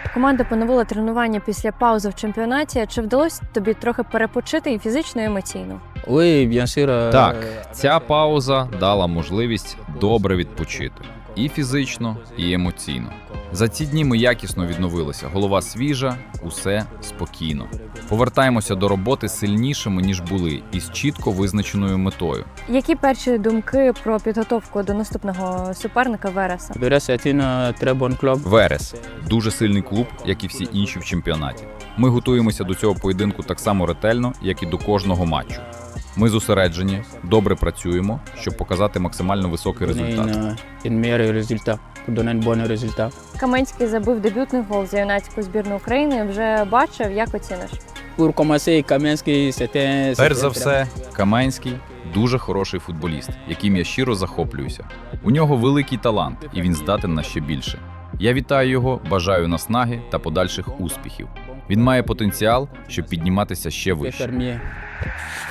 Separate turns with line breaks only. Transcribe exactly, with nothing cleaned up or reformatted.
Команда поновила тренування після паузи в чемпіонаті. Чи вдалося тобі трохи перепочити і фізично, і емоційно?
Так, ця пауза дала можливість добре відпочити. І фізично, і емоційно. За ці дні ми якісно відновилися. Голова свіжа, усе спокійно. Повертаємося до роботи сильнішими, ніж були, і з чітко визначеною метою.
Які перші думки про підготовку до наступного суперника Вереса?
Верес – дуже сильний клуб, як і всі інші в чемпіонаті. Ми готуємося до цього поєдинку так само ретельно, як і до кожного матчу. Ми зосереджені, добре працюємо, щоб показати максимально високий результат.
Каменський забив дебютний гол за юнацьку збірну України. Вже бачив, як оціниш?
Перш за все, Каменський – дуже хороший футболіст, яким я щиро захоплююся. У нього великий талант, і він здатен на ще більше. Я вітаю його, бажаю наснаги та подальших успіхів. Він має потенціал, щоб підніматися ще вище.